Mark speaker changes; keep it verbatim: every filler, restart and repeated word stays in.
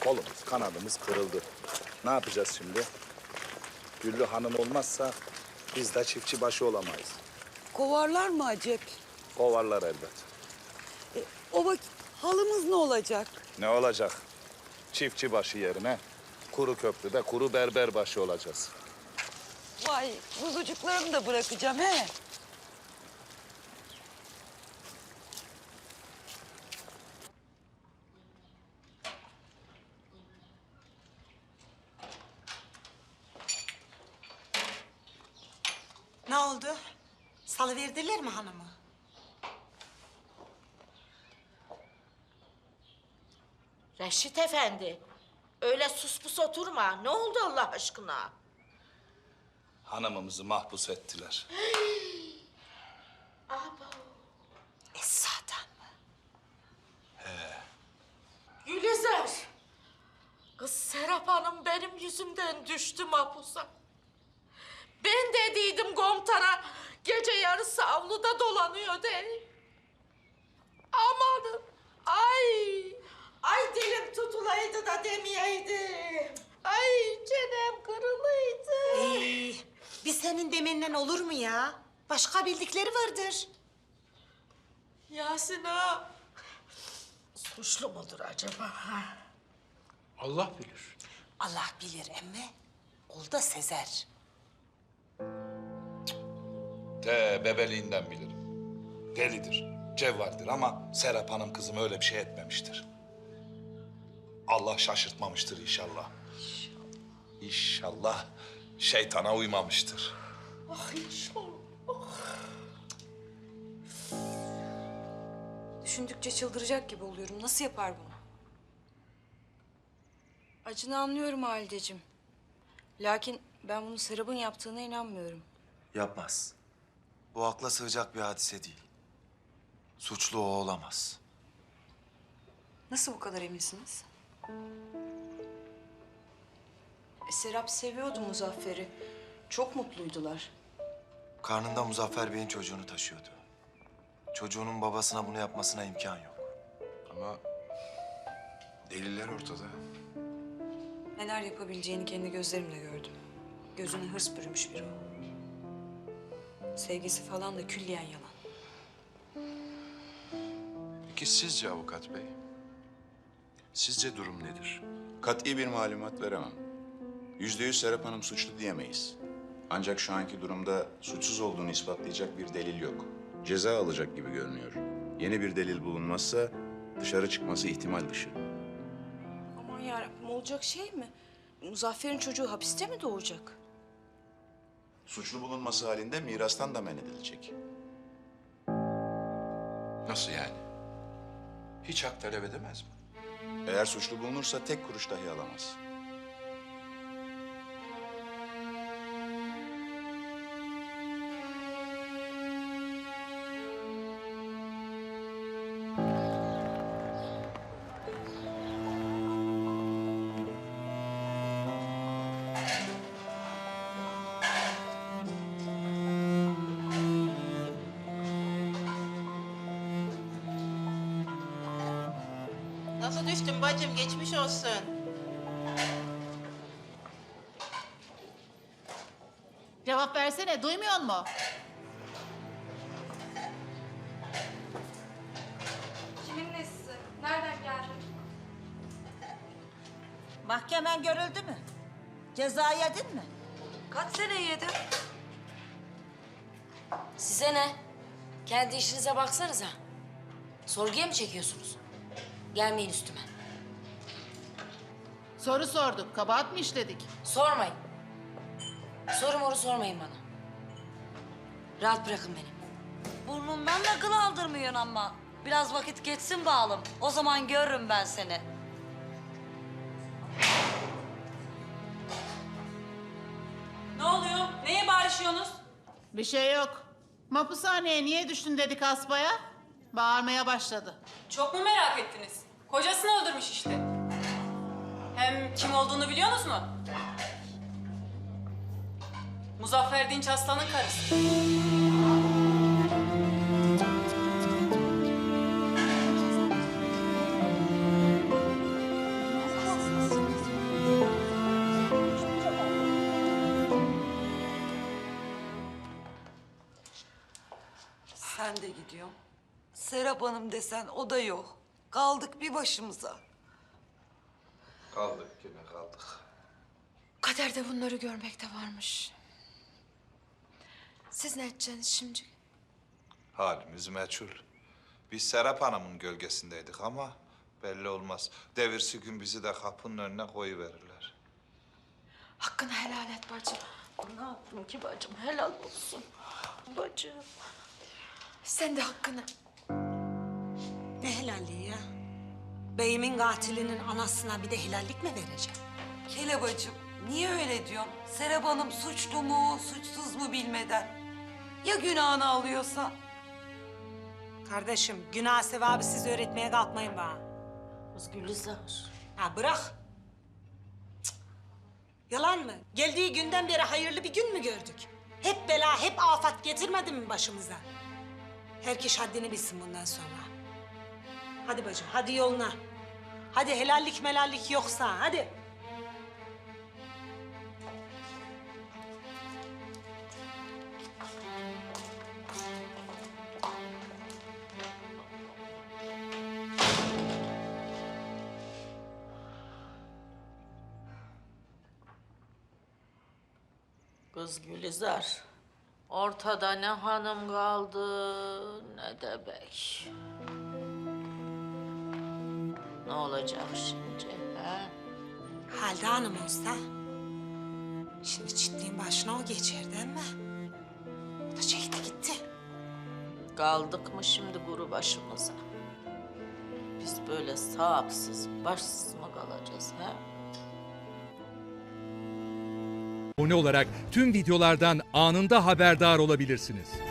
Speaker 1: Kolumuz, kanadımız kırıldı. Ne yapacağız şimdi? Güllü Hanım olmazsa biz de çiftçi başı olamayız.
Speaker 2: Kovarlar mı acep?
Speaker 1: Kovarlar elbet.
Speaker 2: E, o vakit halımız ne olacak?
Speaker 1: Ne olacak? Çiftçi başı yerine kuru köprüde kuru berber başı olacağız.
Speaker 2: Vay, kuzucuklarımı da bırakacağım he.
Speaker 3: Ne oldu? Salıverdiler mi hanımı?
Speaker 4: Reşit Efendi, öyle sus pus oturma. Ne oldu Allah aşkına?
Speaker 1: Hanımımızı mahpus ettiler.
Speaker 4: Abo.
Speaker 3: Esra'dan mı?
Speaker 4: Gülizar. Kız Serap Hanım benim yüzümden düştü mahpusa. Ben dediydim komutana gece yarısı avluda dolanıyor de. Amanın. Ay. Ay dilim tutulaydı da demeyeydim. Ay çenem kırılıydı.
Speaker 3: Ee, bir senin demenden olur mu ya? Başka bildikleri vardır.
Speaker 4: Yasin ağa. Suçlu mudur acaba? Ha?
Speaker 5: Allah bilir.
Speaker 3: Allah bilir emme. Ol da sezer.
Speaker 1: Te bebeliğinden bilirim. Delidir, cevvaldir ama Serap Hanım kızım öyle bir şey etmemiştir. Allah şaşırtmamıştır inşallah. İnşallah. İnşallah şeytana uymamıştır.
Speaker 4: Ah inşallah.
Speaker 6: Düşündükçe çıldıracak gibi oluyorum. Nasıl yapar bunu? Acını anlıyorum Halideciğim. Lakin ben bunu Serap'ın yaptığına inanmıyorum.
Speaker 7: Yapmaz. Bu akla sığacak bir hadise değil. Suçlu o olamaz.
Speaker 6: Nasıl bu kadar eminsiniz? E, Serap seviyordu Muzaffer'i. Çok mutluydular.
Speaker 7: Karnında Muzaffer Bey'in çocuğunu taşıyordu. Çocuğunun babasına bunu yapmasına imkan yok.
Speaker 5: Ama deliller ortada.
Speaker 6: Neler yapabileceğini kendi gözlerimle gördüm. Gözüne hırs bürümüş biri o. Sevgisi falan da külliyen yalan.
Speaker 5: Peki sizce avukat bey? Sizce durum nedir?
Speaker 8: Kat'i bir malumat veremem. Yüzde yüz Serap Hanım suçlu diyemeyiz. Ancak şu anki durumda suçsuz olduğunu ispatlayacak bir delil yok. Ceza alacak gibi görünüyor. Yeni bir delil bulunmazsa dışarı çıkması ihtimal dışı.
Speaker 6: Aman yarabbim, olacak şey mi? Muzaffer'in çocuğu hapiste mi doğacak?
Speaker 8: Suçlu bulunması halinde mirastan da men edilecek.
Speaker 5: Nasıl yani? Hiç hak talep edemez mi?
Speaker 8: Eğer suçlu bulunursa tek kuruş dahi alamaz.
Speaker 9: Nasıl düştün bacım? Geçmiş olsun.
Speaker 10: Cevap versene, duymuyor mu?
Speaker 6: Kimin nesi? Nereden geldi?
Speaker 4: Mahkemen görüldü mü? Ceza yedin mi?
Speaker 6: Kaç sene yedim?
Speaker 11: Size ne? Kendi işinize baksanıza. Sorguya mı çekiyorsunuz? Gelmeyin üstüme.
Speaker 10: Soru sorduk, kabahat mı işledik?
Speaker 11: Sormayın. Soru moru sormayın bana. Rahat bırakın beni.
Speaker 12: Burnumdan da kıl aldırmıyorsun ama. Biraz vakit geçsin bağlım. O zaman görürüm ben seni.
Speaker 6: Ne oluyor? Neye bağırışıyorsunuz?
Speaker 10: Bir şey yok. Mahpushaneye niye düştün dedik asbaya? Bağırmaya başladı.
Speaker 6: Çok mu merak ettiniz? Kocasını öldürmüş işte. Hem kim olduğunu biliyorsunuz mu? Muzaffer Dinç Aslan'ın karısı.
Speaker 2: ben de gidiyorum. Serap Hanım desen o da yok. Kaldık bir başımıza.
Speaker 1: Kaldık yine kaldık.
Speaker 13: Kaderde bunları görmek de varmış. Siz ne edeceksiniz şimdi?
Speaker 1: Halimiz meçhul. Biz Serap Hanım'ın gölgesindeydik ama belli olmaz. Devirsi gün bizi de kapının önüne koyuverirler.
Speaker 13: Hakkını helal et bacım.
Speaker 11: Ne yaptım ki bacım? Helal olsun. Bacım.
Speaker 13: Sen de hakkını.
Speaker 3: Ne helalliği ya? Beyimin katilinin anasına bir de helallik mi vereceğim?
Speaker 2: Kelebacığım, niye öyle diyorsun? Serap Hanım suçlu mu, suçsuz mu bilmeden. Ya günahını alıyorsa?
Speaker 3: Kardeşim, günah sevabı siz öğretmeye kalkmayın bana.
Speaker 11: Kız Gülizar.
Speaker 3: Ha bırak. Cık. Yalan mı? Geldiği günden beri hayırlı bir gün mü gördük? Hep bela, hep afat getirmedi mi başımıza? Herkes haddini bilsin bundan sonra. Hadi bacım, hadi yoluna. Hadi helallik melallik yoksa, hadi.
Speaker 4: Kız Gülizar, ortada ne hanım kaldı ne de bey. Ne olacak şimdi ha?
Speaker 3: Halide Hanım olsa... şimdi çiftliğin başına o geçerdi ama... o da çekti gitti.
Speaker 4: Kaldık mı şimdi kuru başımıza? Biz böyle sahipsiz, başsız mı kalacağız ha?
Speaker 14: Abone olarak tüm videolardan anında haberdar olabilirsiniz.